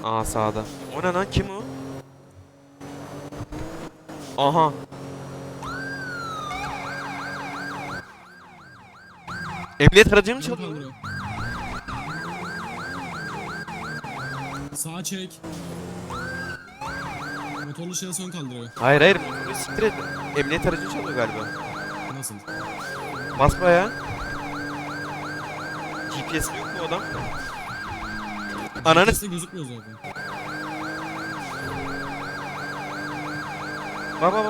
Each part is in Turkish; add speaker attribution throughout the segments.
Speaker 1: Aa sağda. O ne lan, kim o? Aha. Emniyet aracı mı
Speaker 2: Yan
Speaker 1: çalıyor?
Speaker 2: kaldırıyor. Sağa çek. Motorlu şahıs ön kaldırıyor.
Speaker 1: Hayır hayır, motoru siktir et. Emniyet aracı çalıyor galiba.
Speaker 2: Nasıl?
Speaker 1: Basma ya. GPS'li yok mu o adam? Ananı
Speaker 2: GPS'te gözükmüyor zaten.
Speaker 1: baba.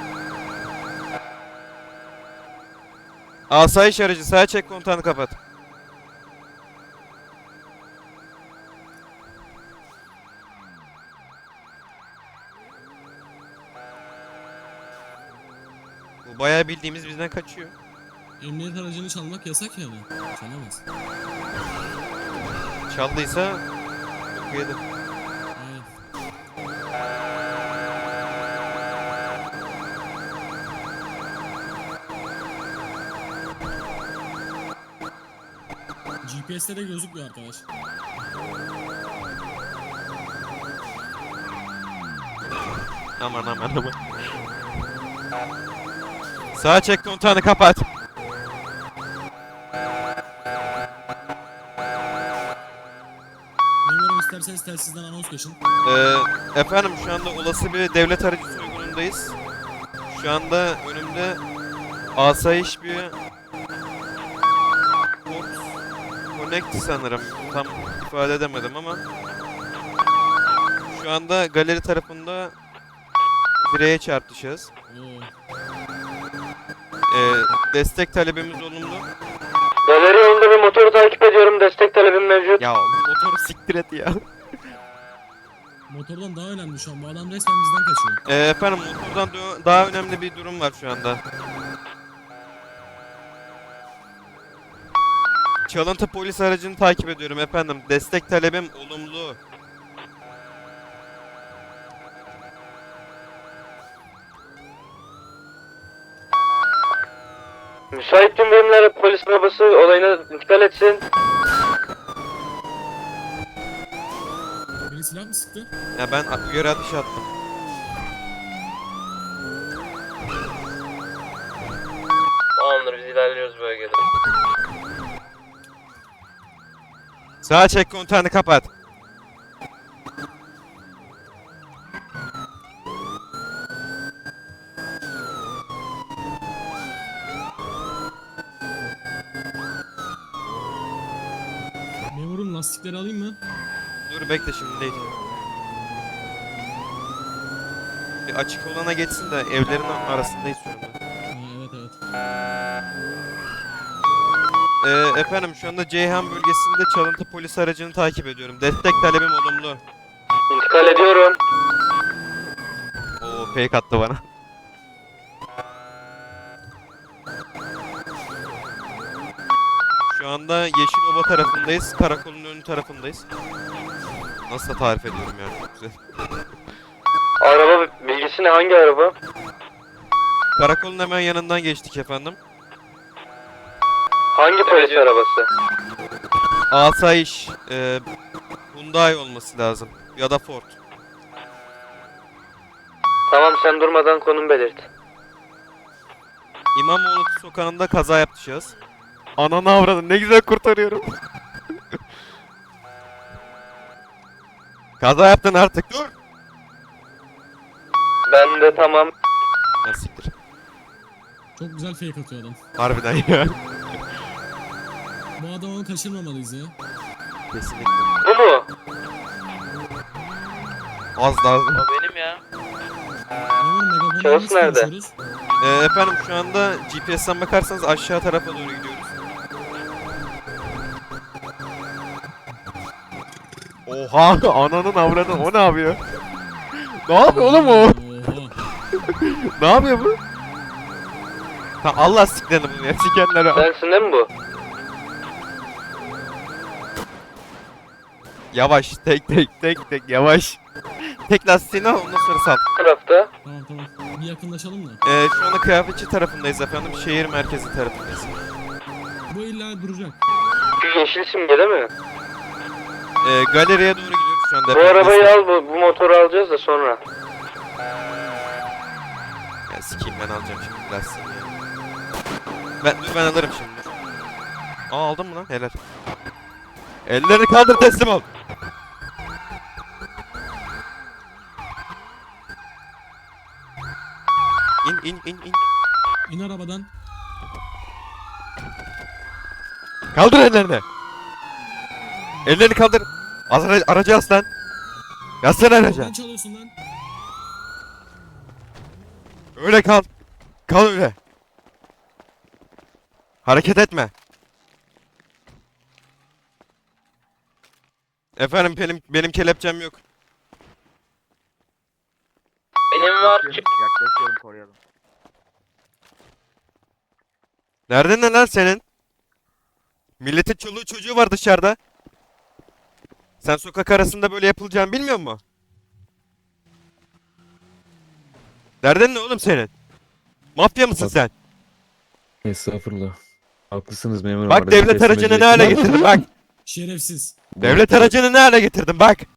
Speaker 1: Asayiş aracı, sağa çek, kontağını kapat. Bu bayağı bildiğimiz bizden kaçıyor.
Speaker 2: Emniyet aracını çalmak yasak yani. Çalamaz.
Speaker 1: Çaldıysa yok yedi.
Speaker 2: Evet. GPS'te de gözükmüyor arkadaş.
Speaker 1: Aman. Sağa çek, kontağını kapat.
Speaker 2: Memurum isterseniz telsizden anons geçin.
Speaker 1: Efendim şu anda olası bir devlet aracı soygunundayız. Şu anda önümde asayiş bir Fox Connect sanırım. Tam ifade edemedim ama şu anda galeri tarafında direğe çarptı.
Speaker 2: Oo.
Speaker 1: Destek talebimiz olumlu.
Speaker 3: Galeri yolunda bir motoru takip ediyorum. Destek talebim mevcut.
Speaker 1: Ya motoru siktir et ya.
Speaker 2: Motordan daha önemli şu an. Bu adam resmen bizden kaçıyor.
Speaker 1: Efendim motordan daha önemli bir durum var şu anda. Çalıntı polis aracını takip ediyorum efendim. Destek talebim olumlu.
Speaker 3: Müsait tüm birimler polis arabası olayına intikal etsin.
Speaker 2: Biri silah mı sıktı?
Speaker 1: Ya ben uyarı ateşi attım.
Speaker 3: Tamamdır, biz ilerliyoruz bölgede.
Speaker 1: Sağa çek, kontağını kapat.
Speaker 2: Memurum lastikleri alayım mı?
Speaker 1: Dur bekle, şimdi değil. Bir açık olana geçsin de evlerin arasındayız şu anda.
Speaker 2: Evet.
Speaker 1: Efendim şu anda Ceyhan bölgesinde çalıntı polis aracını takip ediyorum. Destek talebim olumlu.
Speaker 3: İntikal ediyorum.
Speaker 1: Oo, fake attı bana. Şu anda Yeşilova tarafındayız. Karakolun ön tarafındayız. Nasıl da tarif ediyorum yani, çok güzel.
Speaker 3: Araba bilgisi ne? Hangi araba?
Speaker 1: Karakolun hemen yanından geçtik efendim.
Speaker 3: Hangi polis arabası?
Speaker 1: Asayiş, Hyundai olması lazım. Ya da Ford.
Speaker 3: Tamam, sen durmadan konum belirt.
Speaker 1: İmamoğlu sokağında kaza yaptı şahıs. Ananı avradım, ne güzel kurtarıyorum. Kaza yaptın artık, dur.
Speaker 3: Ben de tamam.
Speaker 1: Ya siktir.
Speaker 2: Çok güzel fake atıyor adam.
Speaker 1: Harbiden ya.
Speaker 2: Bu adamı kaçırmamalıyız ya.
Speaker 1: Kesinlikle.
Speaker 3: Bu mu?
Speaker 1: Az daha.
Speaker 3: O benim ya.
Speaker 2: Memurum megafonla
Speaker 3: Şahıs
Speaker 2: nasıl
Speaker 3: nerede?
Speaker 2: konuşuyoruz?
Speaker 1: Efendim şu anda GPS'ten bakarsanız aşağı tarafa doğru gidiyoruz. Oha, ananın avradı, o ne yapıyor? Ne yapıyor oğlum o?
Speaker 2: Oha.
Speaker 1: Ne yapıyor bu? Ha, Allah siklerini bunu ya, sikenleri.
Speaker 3: Sensin değil mi bu?
Speaker 1: Yavaş, tek yavaş. Tek lastiğini al, ondan sonra sal.
Speaker 3: Bu tarafta.
Speaker 2: Tamam. Bir yakınlaşalım da.
Speaker 1: Şu anda kıyafetçi tarafındayız efendim, şehir merkezi tarafındayız.
Speaker 2: Bu illa duracak.
Speaker 3: Şu yeşil simge değil mi?
Speaker 1: Galeriye doğru gidiyoruz şu anda.
Speaker 3: Bu arabayı al, bu motoru alacağız da sonra.
Speaker 1: Ya sikeyim, ben alacağım şimdi lastiğini ya. Ben alırım şimdi. Aa, aldın mı lan? Helal. Ellerini kaldır, teslim ol. İn.
Speaker 2: İn arabadan.
Speaker 1: Kaldır ellerini. Ellerini kaldır. Aracı as lan. Yazsana araca.
Speaker 2: Neden çalıyorsun lan?
Speaker 1: Öyle kal. Kal öyle. Hareket etme. Efendim, benim kelepçem yok.
Speaker 3: Benim var.
Speaker 4: Yaklaşıyorum, koruyalım.
Speaker 1: Nereden ne lan senin? Milletin çoluğu çocuğu var dışarıda. Sen sokak arasında böyle yapılacağını bilmiyor musun? Derdin ne oğlum senin? Mafya mısın
Speaker 5: Bak-
Speaker 1: sen?
Speaker 5: Estağfurullah. Haklısınız memurum.
Speaker 1: Bak
Speaker 5: Aracı
Speaker 1: devlet
Speaker 5: teslim
Speaker 1: aracını ne
Speaker 5: edecektim.
Speaker 1: hale getirdin bak.
Speaker 2: Şerefsiz.
Speaker 1: Devlet aracını ne hale getirdin bak.